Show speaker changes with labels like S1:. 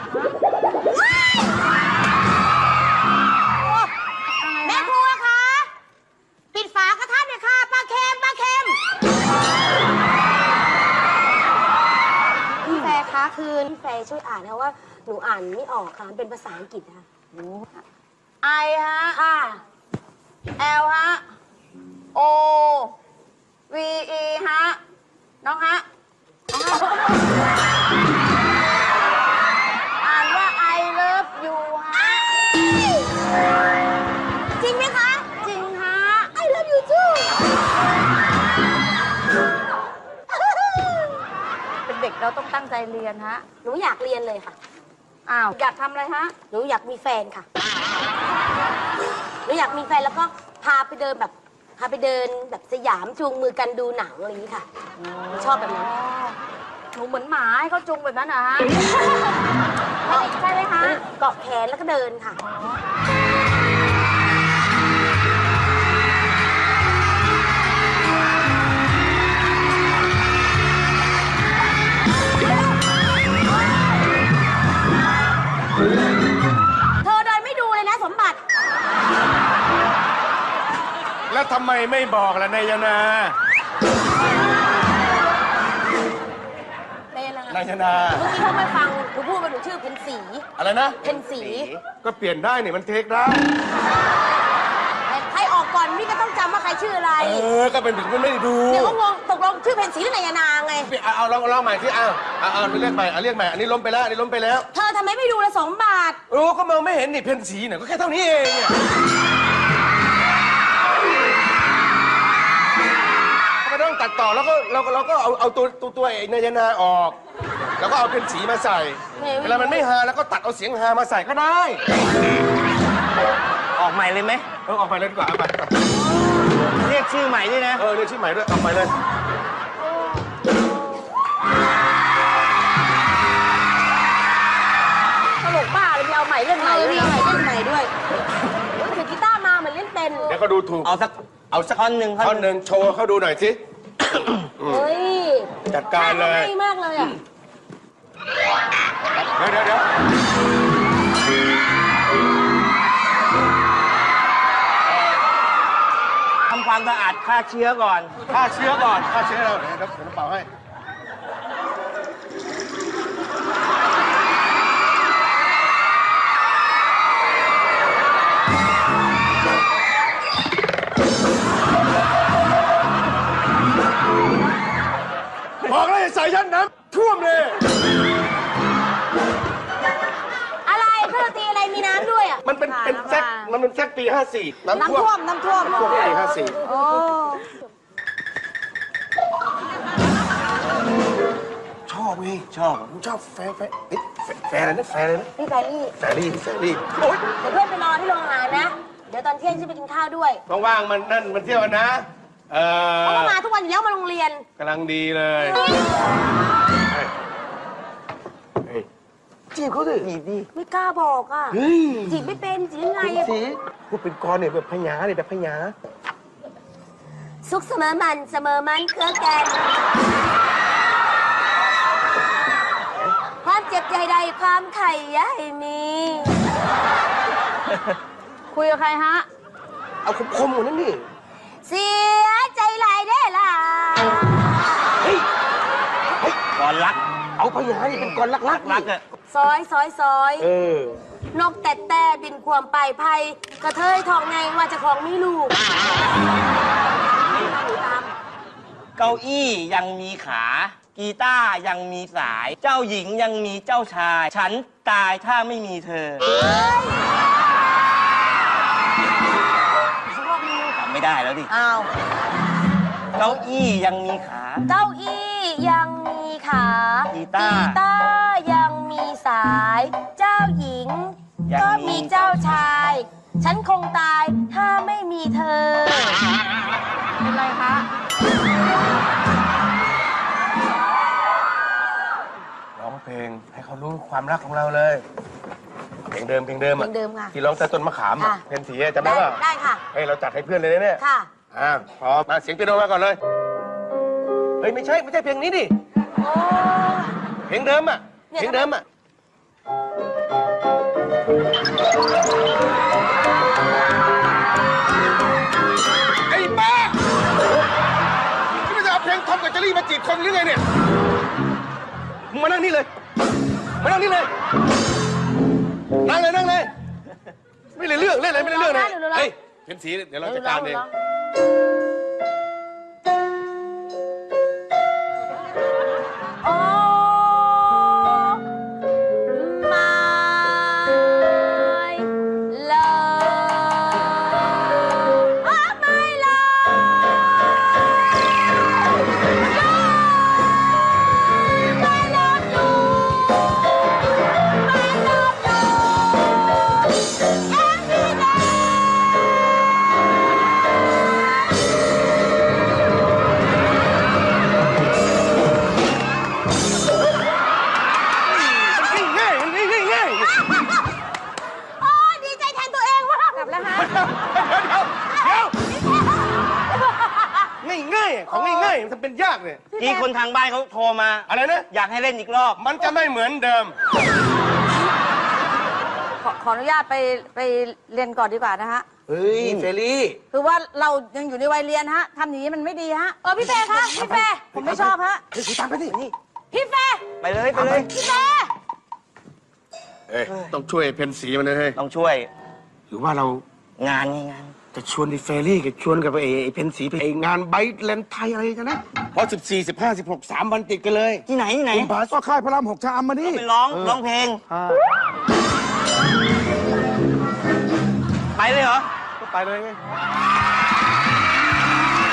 S1: แม่ครัวคะปิดฝากระทะหน่อยค่ะปลาเค็มพี่แฟร์คะคือพี่แฟร์ช่วยอ่านนะว่าหนูอ่านไม่ออกค่ะมันเป็นภาษาอังกฤษค่ะ
S2: I ฮะ
S1: ค่ะ
S2: L ฮะ O V E ฮะน้องฮะอ่านว่า I love you ฮะ
S1: จริงไหมคะ
S2: จริงฮะ
S1: I love you too
S2: เป็นเด็กเราต้องตั้งใจเรียนฮะ
S1: หนูอยากเรียนเลยค่ะ
S2: อ้าว อยากทำอะไรฮะ
S1: หนูอยากมีแฟนค่ะหนูอยากมีแฟนแล้วก็พาไปเดินแบบสยามจูงมือกันดูหนังอะไรอย่างนี้ค่ะชอบแบบนั้น
S2: หนูเหมือนหมาให้เขาจุงแบบนั้นนะฮะ ใช่ไหมคะ
S1: เกาะแขนแล้วก็เดินค่ะเธอเดินไม่ดูเลยนะสมบัติ
S3: แล้วทำไมไม่บอกล่ะนายนา
S1: เป็นอะไร
S3: นายนา
S1: เมื่อกี้เขาไม่ฟังหนูพูดว่าหนูชื่อเพนสี
S3: อะไรนะ
S1: เพนสี
S3: ก็เปลี่ยนได้นี่มันเทคได้
S1: ใครออกก่อนพี่ก็ต้องจำว่าใครชื่ออะไร
S3: ก็เป็นถึงมันไม่ได้ดู
S1: เดี๋ยวก็งงตกลงชื่อเพนสีหรือนายนางไง
S3: เอาลองใหม่ที่เอาเรียกใหม่เรียกใหม่อันนี้ล้มไปแล้วอันนี้ล้มไปแล้ว
S1: เธอทำไมไม่ดูละสมบัติ
S3: ก็มองไม่เห็นนี่เพนสีเนี่ยก็แค่เท่านี้เองเนี่ยไม่ต้องตัดต่อแล้วก็เราก็เอาตัวไอ้นายนาออก แล้วก็เอาเพนสีมาใส่ เวลามันไม่ฮาแล้วก็ตัดเอาเสียงฮามาใส่ก็ได้
S4: ออกใหม่เลยไหม
S3: ออกไปเลยดีกว่าเอาไป
S4: เรียกชื่อใหม่ด้วยนะ
S3: เรียกชื่อใหม่ด้วยออกไปเลย
S1: ตลกบ้าเลยมีเอาใหม่เล่นใหม่ด้วยเล่นใหม่ด้วยถือกีตาร์มาเหมือนเล่นเป็น
S3: เดี๋ยวก็ดูถูก
S4: เอาสัก
S3: ท่อนหนึ่งโชว์เขาดูหน่อยสิ
S1: เฮ้ย
S3: จัดการเลย
S1: ง่ายมากเลยอ่ะ
S3: เดี๋ยว
S4: ทำความสะอาดฆ่าเชื้อก่อน
S3: ฆ่าเชื้อเราเดี๋ยวน้ำเปล่าให้บอกเลยใส่ยันน้ำท่วมเลย
S1: อะไรเครื่องดนตรีอะไรมีน้ำด้วยอ่ะ
S3: มันเป็นแซกปี 54 น้ำท่วม
S1: น้ำท่วม
S3: ปี 54
S1: โอ้
S3: ชอบไงชอบผมชอบแฟอะไรนะแฟอะไรนะ
S1: พี่แฟรี่
S3: แฟรี่โอ๊ย
S1: เดี๋ยวเพื่อนไปรอที่โรงอาหารนะ เดี๋ยวตอนเที่ยงฉันไปกินข้าวด้วย
S3: ว่างๆมันเที่ยวกันนะ
S1: เขาก็มาทุกวันอยู่แล้วมาโรงเรียน
S3: กำลังดีเลยจีบเขาสิจีบดิ
S1: ไม่กล้าบอกอ่ะ
S3: เฮ้ย
S1: จีบไม่เป็นจีบยังไงอะ
S3: สิพูดเป็นกรเนี่ยแบบพญาเนี่ยแบบพญา
S1: สุขเสมอมันเครือแกนความเจ็บใจใดความไข่ยายมี
S2: คุยกับใครฮะ
S3: เอาคมๆกว่านั้นดิ
S1: เสียใจหลายได้ล่ะ
S3: เฮ้ย
S4: ก่อนรัก
S3: เอาพญานี่เป็นกรรัก
S4: รักอะ
S1: ซอย
S3: เออน
S1: กแต่บินความไปภัยกระเทยทองไงว่าจะของมีลูกตาม
S4: เก้าอี้ยังมีขา กีตาร์ยังมีสาย เจ้าหญิงยังมีเจ้าชาย ฉันตายถ้าไม่มีเธอจำไม่ได้แล้วดิ
S1: อ้าว
S4: เก้าอี้ยังมีขา
S1: เก้าอี้ยังมีขา
S4: กีตาร์
S1: ยังมีสาย เจ้าหญิง
S4: ยัง
S1: ก็มีเจ้าชาย ฉันคงตายถ้าไม่มีเธอ
S2: เป็นไรคะ
S3: ร้องเพลงให้เขารู้ความรักของเราเลยเพลงเดิม
S1: เพลงเดิมค่ะ
S3: ที่ร้องแต่ต้นมะขาม
S1: ค่ะ
S3: เพลงสีจำได้ป่ะ
S1: ได้ค่ะ
S3: เฮ้ยเราจัดให้เพื่อนเลยนะเนี่ย
S1: ค่ะ
S3: พร้อมมาเสียงเปียโนมาก่อนเลยเฮ้ยไม่ใช่เพลงนี้ดิ
S1: โอ้
S3: เพลงเดิมอ่ะ
S1: เนี่ย
S3: เพลงเดิมอ่ะไอ้บ้านี่ไม่จะเอาเพลงทอมกับเจอรี่มาจีบคนหรือไงเนี่ยมึงมานั่งนี่เลยมานั่งนี่เลยนั่งเลยนั่งเลยไม่ได้เรื่องเล่นอะไรไม่ได้เรื่องเลยเฮ้ยเพ็ญศรีเดี๋ยวเราจัดการเอง
S1: โอ้ไม่เลยโอ้ไม่เลยไม่ลบหลู่ไม่ลบหลู่every day
S3: ง่ายมันง่าย
S1: โอ้ยดีใจแทนตัวเองว่ากลับแล้วฮะ
S3: ง่ายของง่ายมันทำเป็นยากเนี่ย
S4: กี่คนทางบ้านเขาโทรมา
S3: อะไรนะ
S4: อยากให้เล่นอีกรอบ
S3: มันจะไม่เหมือนเดิม
S2: ขออนุญาตไปเรียนก่อนดีกว่านะฮะ
S5: เฮ้ยเฟรลี่
S2: คือว่าเรายังอยู่ในวัยเรียนฮะทำอย่างนี้มันไม่ดีฮะ
S1: พี่เฟย์คะพี่เฟย์
S2: ผมไม่ชอบฮะ
S5: เฮ้ยตามไปดินี่
S1: พี่เฟย์
S4: ไปเลยไปเลย
S1: พี่เฟย์
S3: เอ้ยต้องช่วยเพ็ญศรีมันเลยเฮ้ย
S4: ต้องช่วย
S3: หรือว่าเรา
S4: งานไงงาน
S3: จะชวนไอ้เฟรรี่กับชวนกับไอ้เพ็ญศรีไปไอ้งานไบท์แลนด์ไทยอะไรกันนะเพราะ14 15 16 3 วันติดกันเลย
S4: ที่ไหนที่ไหน
S3: คุณผาก็ค่ายพระราม6ชะอำมานี่
S4: ไปร้องเพลง ไปเลยเหรอ
S3: ก็ไปเลยไง